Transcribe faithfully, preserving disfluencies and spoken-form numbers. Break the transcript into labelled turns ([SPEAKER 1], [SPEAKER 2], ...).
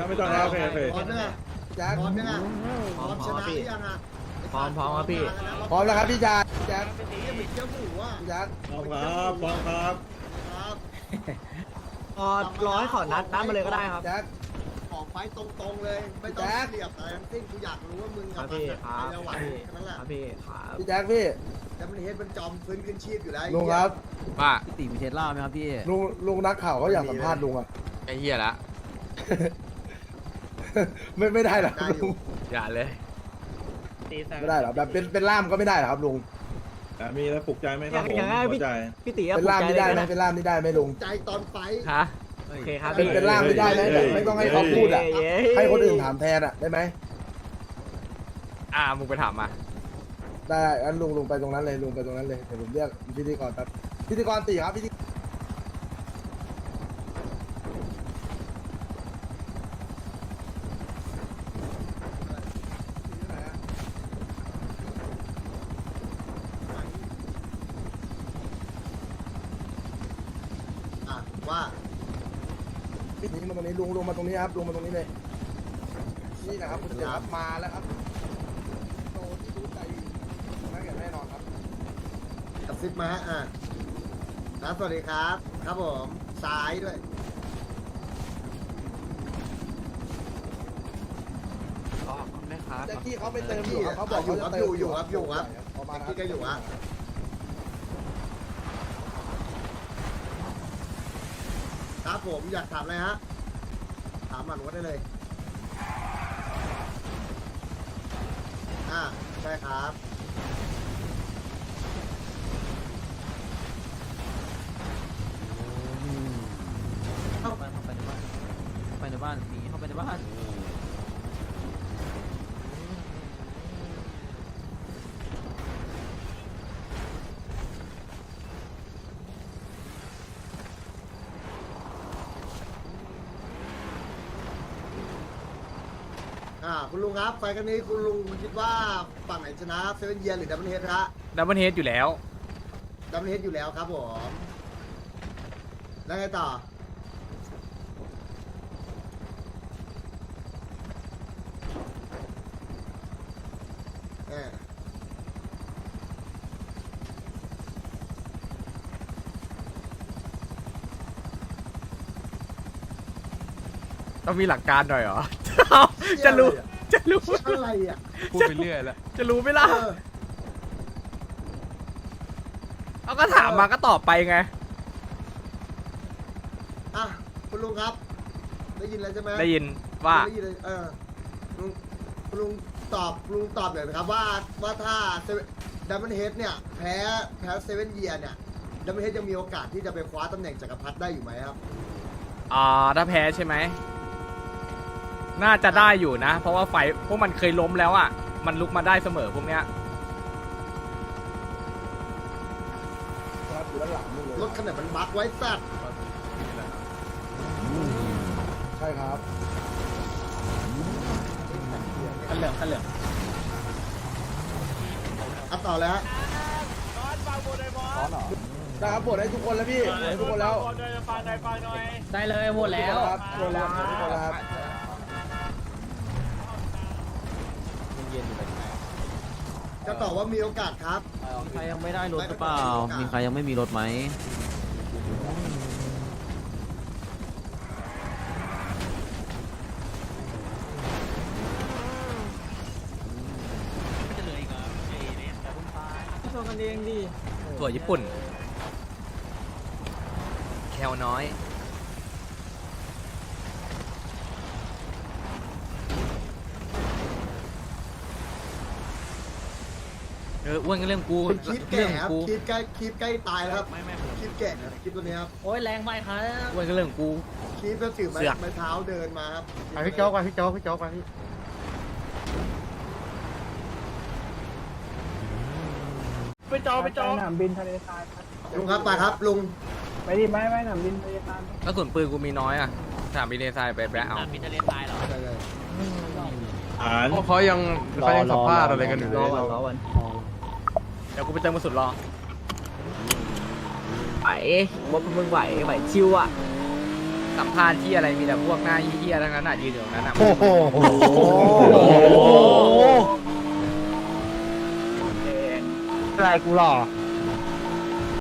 [SPEAKER 1] ไม่ต้องแล้วโอเคโอเค
[SPEAKER 2] พร้อมยังไง
[SPEAKER 3] แจ็ค
[SPEAKER 2] พร้อมยังไงพร้อมชนะหรือยังอ่ะ
[SPEAKER 4] พร้อมพร้อมครับพี่
[SPEAKER 3] พร้อมแล้วครับพี่แจ็คแจ็ค
[SPEAKER 2] เยี่ยมเหมือนเจ้าหมูอ่ะ
[SPEAKER 3] พี่แจ็ค
[SPEAKER 1] พร้อมครับพร้อมครับ
[SPEAKER 2] ครับ
[SPEAKER 4] อ๋อรอให้ขอนัดนัดมาเลยก็ได้ครับ
[SPEAKER 3] แจ็ค
[SPEAKER 2] ออกไฟตรงๆเลย ไม่ต้องเสียบอะไรทั้งสิ้นกูอยากรู้ว่ามึง
[SPEAKER 4] ค
[SPEAKER 2] กั
[SPEAKER 4] รั
[SPEAKER 2] บบ มัน
[SPEAKER 4] พี่
[SPEAKER 2] อะ
[SPEAKER 4] ครั
[SPEAKER 2] ใคร
[SPEAKER 4] บ
[SPEAKER 2] จะไหว
[SPEAKER 4] พี่
[SPEAKER 2] แค่นั้นแหละ
[SPEAKER 4] ครับพี่ครับ
[SPEAKER 3] พี่แจ็คพี่
[SPEAKER 2] แต่มันเห็นมันจอมฟื้นขึ้นชีพอยู่แล้ว
[SPEAKER 3] ลุงครับ
[SPEAKER 5] ว่า
[SPEAKER 6] พี่ตีมีเทสลาไหมครับพี่
[SPEAKER 3] ลุงลุงนักข่าวเขาอยากสัมภาษณ์ลุงอ่ะ
[SPEAKER 5] ไอ้เหี้ยละ
[SPEAKER 3] ไม่ไม่ได้หรอก
[SPEAKER 2] ได้อ
[SPEAKER 3] ลุ
[SPEAKER 2] ยู่
[SPEAKER 3] ง
[SPEAKER 5] อย่าเลย
[SPEAKER 3] ไม่ได้หรอแบบเป็นเป็นล่ามก็ไม่ได้หรอครับลุง
[SPEAKER 1] แต่มีแล้วปลุกใจไหมครับผม
[SPEAKER 4] อย่างนั้น
[SPEAKER 1] หั
[SPEAKER 4] พี่
[SPEAKER 1] วใจ
[SPEAKER 4] พี่ตี
[SPEAKER 3] เป็นล่ามนี่ได้ไหมเป็นล่ามนี่ได้ไหมลุง
[SPEAKER 2] ใจตอนไฟ
[SPEAKER 4] ฮะโอเคครับ
[SPEAKER 3] เป็น
[SPEAKER 4] พี่
[SPEAKER 3] เป็นล่ามไม่ได้ไหมแบบไม่ต้องให้เขาพูดอ่ะ
[SPEAKER 4] เย้
[SPEAKER 3] ให้คนอื่นถามแทนอ่ะได้ไหม
[SPEAKER 5] อ่ามึงไปถามมา
[SPEAKER 3] ได้งั้นลุงลุงไปตรงนั้นเลยลุงไปตรงนั้นเลยเดี๋ยวผมเรียกพิธีกรแป๊บพิธีกรตีครับพิธี
[SPEAKER 2] อ่ะว่า
[SPEAKER 3] นี่มาตรงนี้ลุงลุงมาตรงนี้ครับลุงมาตรงนี้เลยนี่นะครับคุณเสียครับมาแล้วครับโตที่รู้ใจนักเก็ตแน่นอนครับ
[SPEAKER 2] กระซิบมาฮะอ่ะครับสวัสดีครับ ครับผมซ้ายด้วย
[SPEAKER 4] อ๋อแม่ค้า
[SPEAKER 3] แจ็คกี้เขาไปเติมอยู่ครับเขาบอกเขาจะเติม
[SPEAKER 2] อยู่ครับอยู่ครับ
[SPEAKER 3] ประมาณ
[SPEAKER 2] ที่ก็อยู่ฮะครับผมอยากถามอะไรฮะถามหมันว่าได้เลยอ่าใช่ครับ
[SPEAKER 6] เข้าไปเข้าไปในบ้านเข้าไปในบ้านหนีเข้าไปในบ้าน
[SPEAKER 2] อ่าคุณลุงครับไฟกันนี้คุณลุงคิดว่าฝั่งไหนชนะเซเว่นเยียหรือดับเบิลเฮดฮะ
[SPEAKER 5] ดับเบิลเฮดอยู่แล้ว
[SPEAKER 2] ดับเบิลเฮดอยู่แล้วครับผมแล้วไงต่อเออ
[SPEAKER 5] ต้องมีหลักการหน่อยเหรอ จะรู้ จะรู้
[SPEAKER 2] อะไรอ่ะ
[SPEAKER 5] พูดไปเรื่อยแล้ว จะรู้ไหมล่ะ
[SPEAKER 2] เออ
[SPEAKER 5] เอาก็ถามมาก็ตอบไปไง
[SPEAKER 2] อ่ะคุณลุงครับ ได้ยินแล้วใช่ไหม
[SPEAKER 5] ได้ยินว่า
[SPEAKER 2] ได้ยินเลยเออลุงคุณลุงตอบลุงตอบหน่อยนะครับว่าว่าถ้าดับเบิลเฮดเนี่ยแพ้แพ้เซเว่นเยียเนี่ยดับเบิลเฮดยังมีโอกาสที่จะไปคว้าตำแหน่งจักรพรรดิได้อยู่ไหมครับ
[SPEAKER 5] อ่าถ้าแพ้ใช่ไหม น่าจะได้อยู่นะ เพราะว่าไฟพวกมันเคยล้มแล้วอ่ะ มันลุกมาได้เสมอพวกเนี้ย
[SPEAKER 3] ครับอยู่ด้านหลังนี่เลย
[SPEAKER 2] รถขนาดมันบักไว้สัตว์
[SPEAKER 3] ใช่ครับ
[SPEAKER 6] ขันเหลืองขันเหลือง
[SPEAKER 2] อ่ะต่อแล้วฮะ
[SPEAKER 3] ได้ครับบทให้ทุกคนแล้วพี่บทให้ทุกคนแล้ว
[SPEAKER 6] ได้เลยหมดแล้ว
[SPEAKER 3] ครับหมดแล้วหมดทุกคนแล้วครับ
[SPEAKER 2] จะตอบว่ามีโอกาสครับ
[SPEAKER 6] ใครยังไม่ได้รถหรือเปล่า มีใครยังไม่มีรถไหม
[SPEAKER 4] ชนกันเองดิ
[SPEAKER 5] ถั่วญี่ปุ่น แคลน้อย เอออ้วนก็เรื่องกู
[SPEAKER 2] เป็นคลิป
[SPEAKER 5] เรื่
[SPEAKER 2] แก่
[SPEAKER 5] อง
[SPEAKER 2] ครับ
[SPEAKER 5] กู
[SPEAKER 2] คลิปใกล้คลิปใกล้ตายแล้วครับคลิปแก่ครับคลิปตัวนี้ครับ
[SPEAKER 6] โอ้ยแรงไปครับ
[SPEAKER 5] อ้วนก็เรื่องกู
[SPEAKER 2] คลิปก็ถือไม้
[SPEAKER 5] เสือก
[SPEAKER 2] ไม้เท้าเดินมาครับ
[SPEAKER 1] ไปพี่โจ๊กไปพี่โจ๊กพี่โจ๊กไปพี่
[SPEAKER 7] ไปจอไปจอ
[SPEAKER 8] สนามบินทะเลทรายครับ
[SPEAKER 2] ลุงครับไปครับลุง
[SPEAKER 8] ไปดิไม่ไม่สนามบินทะเลทราย
[SPEAKER 5] กระสุนปืนกูมีน้อยอ่ะสามบินเนซายไปแบล็คเอา
[SPEAKER 6] มีทะเลทรายเหรอ
[SPEAKER 2] ได้เลย
[SPEAKER 1] อ่าน
[SPEAKER 5] เขายังเขายังสัมภาษณ์อะไรกันอยู่
[SPEAKER 6] รอวันรอวัน
[SPEAKER 5] เดี๋ยวกูไปเติมกระสุนรอ
[SPEAKER 4] ไหวว่ามึงไหวไหวชิวอ่ะ
[SPEAKER 5] ไสัมภาษณ์ที่อะไรมีแต่พวกหน้าเหี้ยๆทั้งนั้นอ่ะยืนอยู่ตรงนั้นอ่ะ
[SPEAKER 3] โอ้โห
[SPEAKER 8] อะไรกูหล่อ